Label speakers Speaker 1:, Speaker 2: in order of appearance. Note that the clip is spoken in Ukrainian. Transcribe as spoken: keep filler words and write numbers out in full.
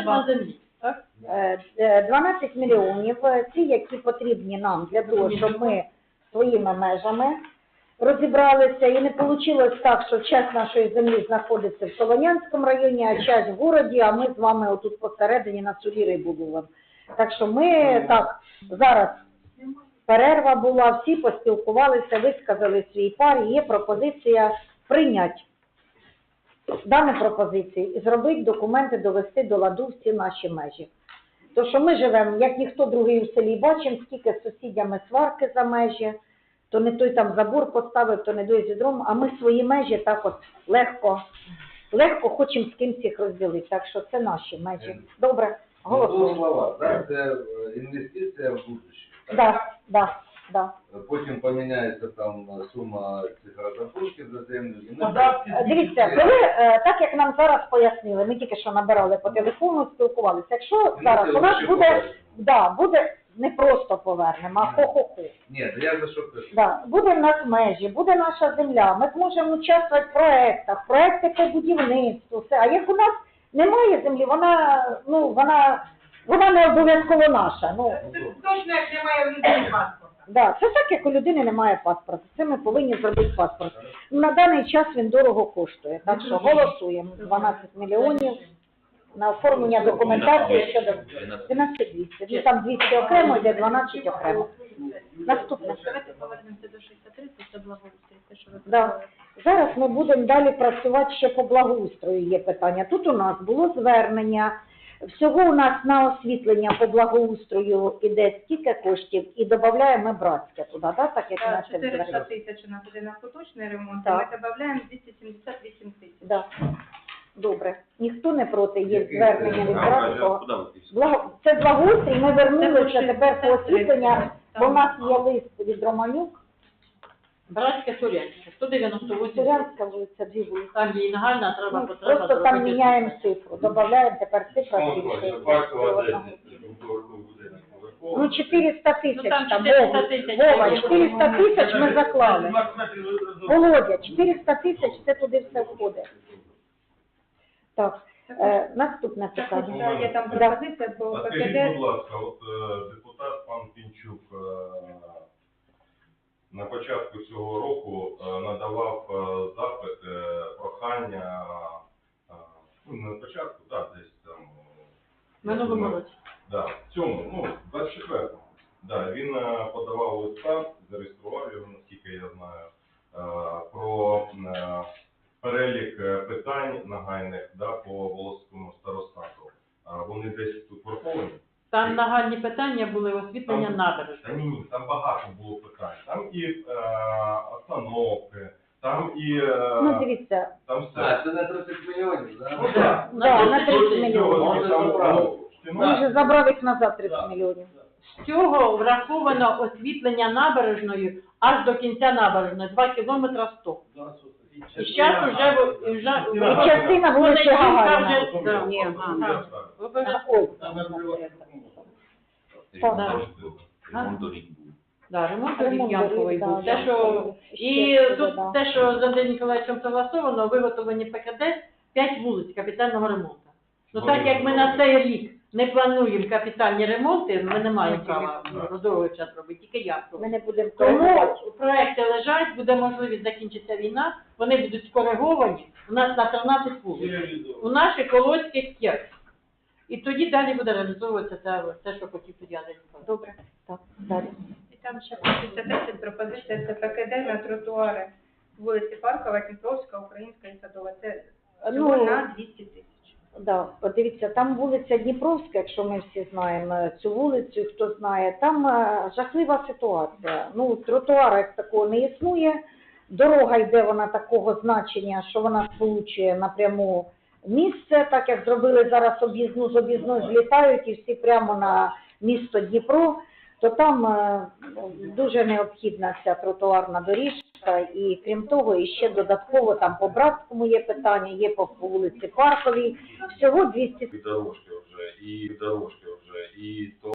Speaker 1: на землі, так?
Speaker 2: Е, е, дванадцять мільйонів, е, ці, які потрібні нам для того, щоб ми своїми межами розібралися. І не вийшло так, що часть нашої землі знаходиться в Солонянському районі, а часть в городі, а ми з вами отут посередині на селі Рибулово. Так що ми так, зараз перерва була, всі поспілкувалися, висказали свій пар, і є пропозиція прийняти дану пропозицію і зробити документи, довести до ладу всі наші межі. То, що ми живемо, як ніхто другий у селі, бачимо, скільки з сусідями сварки за межі, то не той там забор поставив, то не той зідром, а ми свої межі так от легко, легко хочемо з кимсь їх розділити. Так що це наші межі. Добре, голосуємо.
Speaker 3: Слова, так, це інвестиція в будущее.
Speaker 2: Так, так, так.
Speaker 3: Потім поміняється там сума цих розрахунків за землю. І ми...
Speaker 2: Дивіться, коли, е, так як нам зараз пояснили, ми тільки що набирали по телефону, спілкувалися, якщо зараз у нас буде, да, буде не просто повернемо, а хо-хо-хо.
Speaker 3: Ні, я за що кажу.
Speaker 2: Да, буде в нас межі, буде наша земля, ми зможемо участвувати в проєктах, проєкти по будівництву, все. А як у нас немає землі, вона, ну, вона, вона не обов'язково наша. Ну,
Speaker 4: Точно, як немає в людини паспорта.
Speaker 2: да, це так, як у людини немає паспорта. Це ми повинні зробити паспорт. На даний час він дорого коштує, так що голосуємо. дванадцять мільйонів на оформлення документації щодо дванадцять двісті. Ну, там двісті окремо, йде дванадцять окремо. Наступне.
Speaker 4: Давайте повернемося до шістдесят три, це благоустрій, те, що ви
Speaker 2: Да.
Speaker 4: сказали.
Speaker 2: Зараз ми будемо далі працювати ще по благоустрою, є питання. Тут у нас було звернення, всього у нас на освітлення по благоустрою іде стільки коштів і додаємо братське туди, да? Так як у нас це
Speaker 4: чотириста
Speaker 2: звернення.
Speaker 4: тисяч у нас іде на поточний ремонт,
Speaker 2: Так.
Speaker 4: ми додаємо двісті сімдесят вісім тисяч.
Speaker 2: Да. Добре. Ніхто не проти, є звернення від братського. Благо... Це благоустрій, ми вернулися тепер по освітлення, бо в нас є лист від Романюк.
Speaker 1: Братське Сурянське, сто дев'яносто вісім.
Speaker 2: Сурянська вулиця, дві вулиці.
Speaker 1: Там є і нагальна, треба
Speaker 2: Ну,
Speaker 1: потреба.
Speaker 2: просто там
Speaker 1: зробити.
Speaker 2: міняємо цифру, додаємо тепер цифра більше. Ну, чотириста тисяч
Speaker 1: Ну, там
Speaker 2: там,
Speaker 1: чотириста
Speaker 2: Вова,
Speaker 1: тисяч.
Speaker 2: Вова, чотириста тисяч ми заклали. Володя, чотириста тисяч, це туди все входить. Так, е, наступне питання.
Speaker 4: Так, є там
Speaker 2: Да.
Speaker 4: пропозиція по
Speaker 5: А скажіть, будь
Speaker 4: ПКД.
Speaker 5: ласка, от е, депутат пан Пінчук е, на початку цього року е, надавав е, запит, е, прохання, е, ну не на початку, так, десь там. е,
Speaker 1: Минулому
Speaker 5: ну,
Speaker 1: році.
Speaker 5: Да, в цьому, ну, двадцять четвертому. Да, він е, подавав листа, зареєстрував його, наскільки я знаю, е, про е, перелік е, питань нагальних, да, по Волоському старостату. А вони десь тут враховані?
Speaker 1: Там нагальні питання були освітлення
Speaker 5: Там-
Speaker 1: набережної.
Speaker 5: Та ні, ні, там багато було питань. Там і е, остановки, там і е,
Speaker 2: Ну, дивіться,
Speaker 5: там все.
Speaker 3: А, це на тридцять мільйонів,
Speaker 5: Ну,
Speaker 3: так?
Speaker 5: так.
Speaker 2: да, на тридцять мільйонів.
Speaker 5: Можна там
Speaker 3: забрати.
Speaker 2: Ми вже забрав їх назад тридцять мільйонів.
Speaker 1: З цього враховано освітлення набережної аж до кінця набережної, два кілометри сто. І зараз вже... в- і вже
Speaker 2: І частина вулиці Гагаріна.
Speaker 1: вже... да.
Speaker 2: Ні,
Speaker 1: Ага. Ви вже-
Speaker 2: Ой,
Speaker 1: Да.
Speaker 6: Ремонт доріг був.
Speaker 1: Да, ремонт
Speaker 2: Ремонт
Speaker 1: доріг Янкової
Speaker 2: доріг,
Speaker 1: був.
Speaker 2: да,
Speaker 1: Те, що...
Speaker 2: Янкової.
Speaker 1: І
Speaker 2: Ще
Speaker 1: тут
Speaker 2: да.
Speaker 1: те, що з Андрієм Ніколаєвичем согласовано, виготовлені ПКД п'ять вулиць капітального ремонту. Ну так як ми на цей рік не плануємо капітальні ремонти, ми не маємо права розорговий час робити, тільки я.
Speaker 2: Ми не будемо
Speaker 1: Тому
Speaker 2: коригувати.
Speaker 1: проекти лежать, буде можливість, закінчиться війна, вони будуть скориговані. У нас на тринадцять вулиць. У наших Колодських п'ять. І тоді далі буде реалізовуватися те, те, що хотів тоді Андрій Ніколаєвич.
Speaker 2: Добре, так, далі.
Speaker 4: І там ще шістдесят десять пропозиція це ПКД на тротуари вулиці Паркова, Дніпровська, Українська і Садова. Це всього
Speaker 2: Ну,
Speaker 4: на двісті тисяч.
Speaker 2: да, от дивіться, там вулиця Дніпровська, якщо ми всі знаємо цю вулицю, хто знає, там е, жахлива ситуація. Ну, тротуара як такого не існує, дорога йде вона такого значення, що вона сполучує напряму місце, так як зробили зараз об'їзну, з об'їзну злітають і всі прямо на місто Дніпро, то там е, дуже необхідна ця тротуарна доріжка, і крім того, і ще додатково там по Братському є питання, є по вулиці Парковій, всього двісті.
Speaker 5: І дорожки вже, і дорожки вже, і то.